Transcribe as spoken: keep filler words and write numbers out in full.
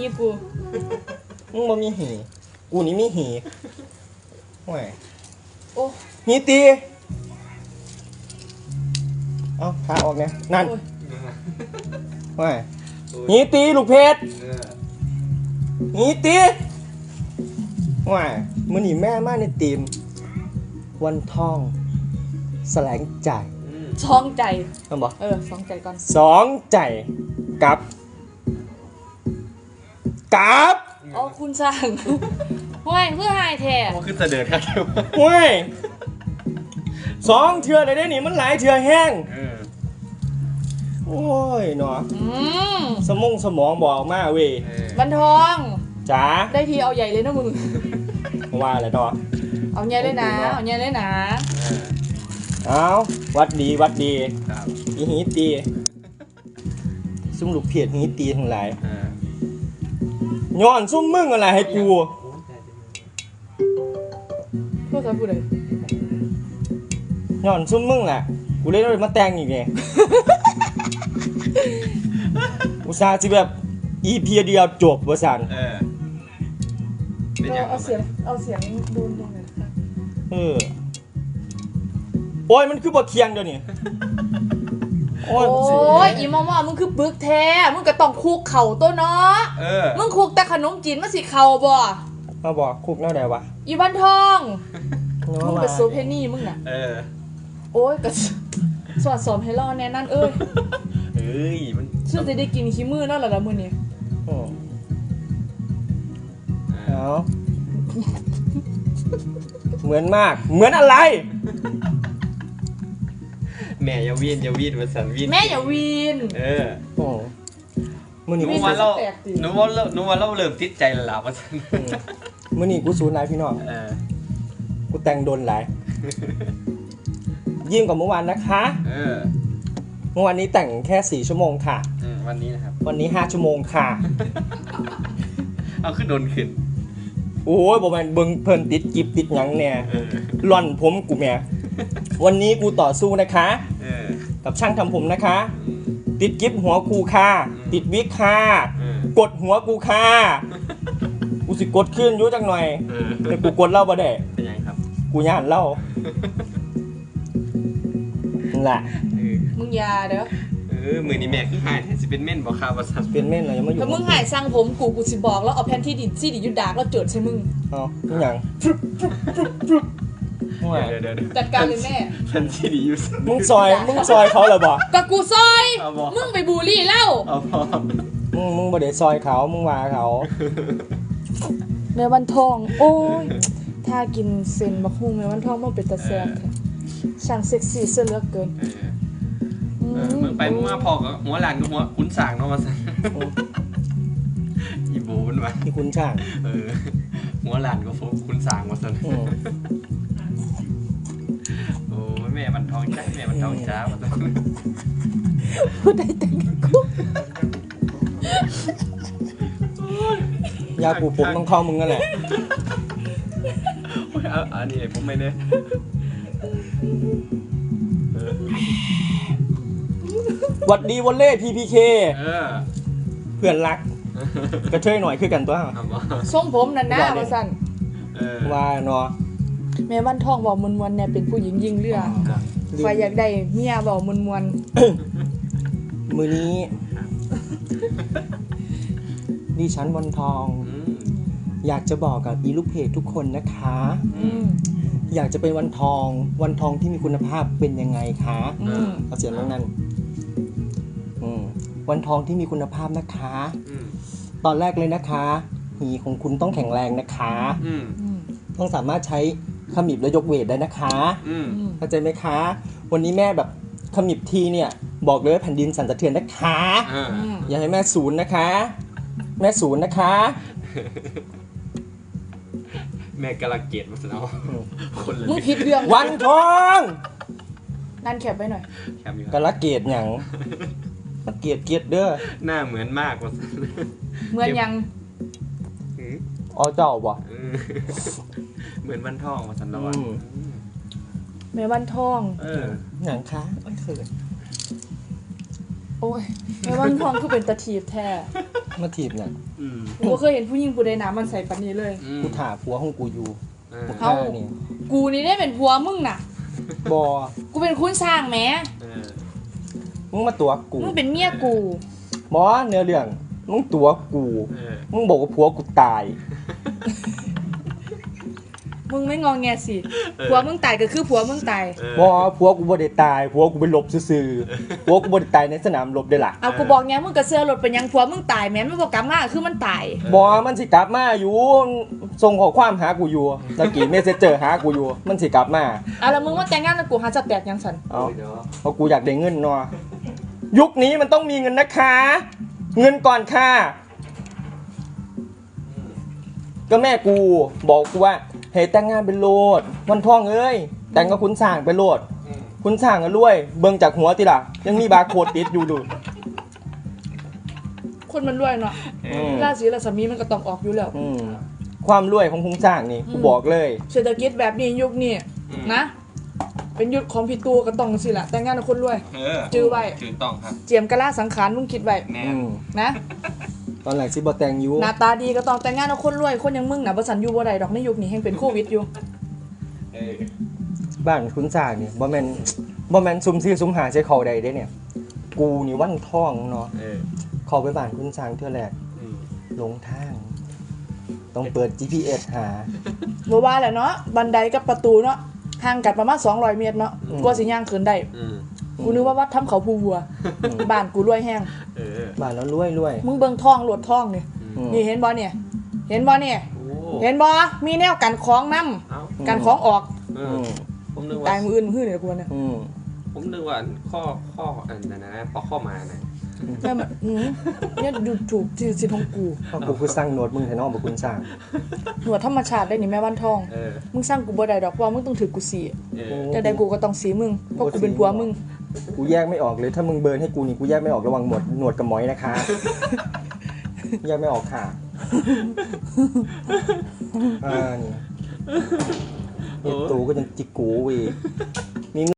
กูมึงบ่มีหีกูนี่มีหีห่วยโอ้หีตีเอ้าขาออกเนี่ยนั่นห่วยหีตีลูกเพชรหีตีห่วยมื้อนี้แม่มาในทีมวันทองแสลงใจช่องใจมันบอกเออสองใจก่อนสองใจกับกับอ๋อคุณสั่งห้วยเพื่อหายแท้มันคือเสด็จครับห้วยสองเทือเลยได้หนิมันหลายเทือแห้งโอ้ยเนาะสมองสมองบอกมาเว้ยบันทองจ๋าได้ทีเอาใหญ่เลยนะมึงว่าอะไรต่อเอาใหญ่เลยนะเอาใหญ่เลยนะเอาวัดดีวัดดีอีหีตีซุ่มลูกเพียรหีตีทั้งหลายย้อนซุ่มมึงอะไรให้กูพูดอะไรพูดเลยย้อนซุ่มมึงแหละกูเล่นเลยมาแต่งอีกไงอุตส่าห์จะแบบอีพีเดียวจบวะสันเอาเสียงเอาเสียงดูดูหน่อยค่ะเออโอ้ยมันคือบทเคียงเดี๋ยวนี้โอ้ยอีมอมอมึงคือบึกแท้มึงก็ต้องคุกเข่าตัวเนาะมึงคุกแต่ขนมจีนมาสิเข่าบ่มาบอกคุกแนวไหนวะอีบันทองมึงกับโซเพนี่มึงน่ะโอ้ยก็สอนสอนให้รอแน่นั่นเอ้ยเอ้ยมันซึ่งจะได้กินขี้มือนั่นแหละละมือนี้เอาเหมือนมากเหมือนอะไรแม่อย่าวีนอย่าวีนมาสั่นวีนแม่อย่าวีนเออโอ้มื่อนี้หนูว่าเราหนูว่าเราหนูว่าเราเริ่มติดใจแล้วล่ะมาสั่นมื่อนี้กูสูญหลายพี่น้องเออกูแต่งโดนหลายยิ่งกว่าเมื่อวานนะคะเออเมื่อวานนี้แต่งแค่สี่ชั่วโมงค่ะวันนี้นะครับวันนี้ห้าชั่วโมงค่ะเอาขึ้นโดนขึ้นโอ้ยบอกมันเบิ่งเพิ่นติดกิบติดหยังเนี่ยหล่อนผมกูแม่วันนี้กูต่อสู้นะคะกับช่างทำผมนะคะติดกิบหัวกูค่ะติดวิกค่ะกดหัวกูค่ะกูสิกดขึ้นยุ่จังหน่อยแต่กูกดเล่าบ่ได้เป็นยังครับกูย่านเล่านั่นแหละมึงยาเด้อเออมือนี่แม่คือหายสิเป็นเม่นบอกข่าวว่าสั่นเป็นเม่นอะไรยังไม่อยู่ถ้ามึงหายสร้างผมกูกูสิบอกแล้วเอาแผ่นที่ดินซี่ดิยุดดากแล้วเจิดใช่มึงอ๋อทุกอย่างจัดการเลยแม่แผ่นที่ดิยุดมึงซอยมึงซอยเขาเลยบ่กับกูซอยมึงไปบูลลี่เล่ามึงมึงบ่ได้ซอยเขามึงว่าเขาแม่วันทองโอ้ยถ้ากินเส้นบักฮุ่งแม่วันทองมันเป็นตาแซ่บช่างเซ็กซี่เสื้อเลือกเกินมึงไปมึงมาพอกับหัวหลานกับหัวขุนสางเนาะมาสั่นอีโบมันมาที่ขุนช่างเออหัวหลานกับขุนสางมาสั่นโอ้แม่มันทองจ้าแม่มันทองจ้ามาสั่นพูดได้แต่กูยาปูผมต้องเข้ามึงนั่นแหละอันนี้ผมไม่เนี่ยวัดดีวอลเล่ พี พี เค เพื่อนรักกระเทยหน่อยคือกันตัวทรงผมนั่นนะว่าสั่นว่าเนาะแม่วันทองบอกมวนๆเนี่ยเป็นผู้หญิงยิงเรือใครอยากได้เมียบอกมวนๆมือนี้ดิฉันวันทองอยากจะบอกกับอีลูกเพจทุกคนนะคะอยากจะเป็นวันทองวันทองที่มีคุณภาพเป็นยังไงคะเอาเสียงตรงนั้นวันทองที่มีคุณภาพนะคะตอนแรกเลยนะคะหีของคุณต้องแข็งแรงนะคะต้องสามารถใช้ขมิบและยกเวทได้นะคะเข้าใจไหมคะวันนี้แม่แบบขมิบทีเนี่ยบอกเลยว่าแผ่นดินสั่นสะเทือนนะคะอย่าให้แม่ศูนย์นะคะแม่ศูนย์นะคะแม่กำลังเกลียดมาสนองคนเลยมึงผิดเรื่องวันทองนั่นแคบไว้หน่อยกำลังเกลียดอย่างเกลียดเกลียดเด้อหน้าเหมือนมากว่าเหมือนยังอ๋อเจ้าบ่เหมือนวันทองมาสันละวันแม่วันทองเออหนังคะโอ้ยเขินโอ้ยแม่วันทองคือเป็นตะทีบแท้มาถีบเนี่ยอืมกูบ่เคยเห็นผู้หญิงผู้ใดหน้ามันใส่ปานนี้เลยอืมกูถ่าผัวของกูอยู่เออกูฆ่านี่กูนี่ได้เป็นผัวมึงน่ะบอกูเป็นคุณสร้างแหมเออมึงมาตัวกูมึงเป็นเมียกูบอเนื้อเรื่องมึงตัวกูเออมึงบอกว่าผัวกูตายมึงไม่งองแงสิผัวมึงตายก็คือผัวมึงตายเออบอผัวกูบ่ได้ตายผัวกูไปหลบซื่อๆผัวกูบ่ได้ตายในสนามรบได้ล่ะเอากูบอกไงมึงก็เสื้อรถเป็นหยังผัวมึงตายแหมมันบ่กลับมาคือมันตายบอมันสิกลับมาอยู่ส่งข้อความหากูอยู่ตะกี้เมสเซจเจอหากูอยู่มันสิกลับมาอ่ะแล้วมึงมาแต่งงานกับกูหาจะแตกยังสันเอาเพราะกูอยากได้เงินเนาะยุคนี้มันต้องมีเงินนะคะ เงินก่อนค่ะก็แม่กูบอกกูว่าเฮ้ยแต่งงานเป็นโลดวันทองเอ้ยแต่งกับคุณสร้างเป็นโลดอืมคุณสร้างกันรวย เบิ่งจากหัวติล่ะ ยังมีบาร์โค้ดติดอยู่ดูคนมันรวยเนาะอืมราศีราศมีมันก็ต้องออกอยู่แล้วอืมความรวยของคุณสร้างนี่กูบอกเลยเศรษฐกิจแบบนี้ยุคนี้อืมนะ เป็นยุคของพี่ตูก็ต้องสิล่ะแต่งงานกับคนรวยเออจื้อไว้จือต้องครับเจียมกะลาสังขารมึงคิดไว้แน่อืมนะตอนแรกสิบ่แต่งอยู่หน้าตาดีก็ต้องแต่งงานกับคนรวยคนอยังมึงน่ะบ่สันอยู่บ่ได้ดอกในยุคนี้แห่งเป็นโควิดอยู่เออบ้านคุณสร้างนี่บ่แม่นบ่แม่นซุ่มซี่ซุ่มหาใช้เขาใดเด้เนี่ย กูนี่วันทองเนาะเออเข้าไปบ้านคุณสร้างเทื่อแรกอืมหลงทาง ต้องเปิด จี พี เอส หาบ่ว่าแหละเนาะบันไดกับประตูเนาะห่างกันประมาณสองร้อยเมตรเนาะอืมกว่าสิย่างขึ้นได้อืมกูนึกว่าวัดถ้ำเขาภูวัว บ้านกูรวยแห้งเออบ้านแล้วรวยรวยมึงเบิ่งท่องโหลดท่องนี่อืมนี่เห็นบ่เนี่ย เห็นบ่เนี่ยโอ้เห็นบ่มีแนวกันของนํเอ้ากันของออกเออือมผมนึกตาว่ายมืออื่นมือเนี่ยกูว่าเนี่ยอืมผมนึกว่าข้อข้ออันนั้นนะปอกข้อมานะแม่มันอืมเนี่ยดูถูกที่สิทธิ์ของกูเพราะกูคือสร้างโนดมึงแทนน้องบอกคุณสร้างหนวดธรรมชาติได้นี่แม่วันทองเออมึงสร้างกูบ่ได้ดอกเพราะว่ามึงต้องถือกูสีเออแต่ใดกูก็ต้องสีมึงเพราะกูเป็นผัวมึงกูแยกไม่ออกเลยถ้ามึงเบิร์นให้กูนี่กูแยกไม่ออกระหว่างหนวดหนวดกับหมอยนะคะ แยกไม่ออกค่ะอ่านี่เอ็ดตูก็ยังจิกกูเวี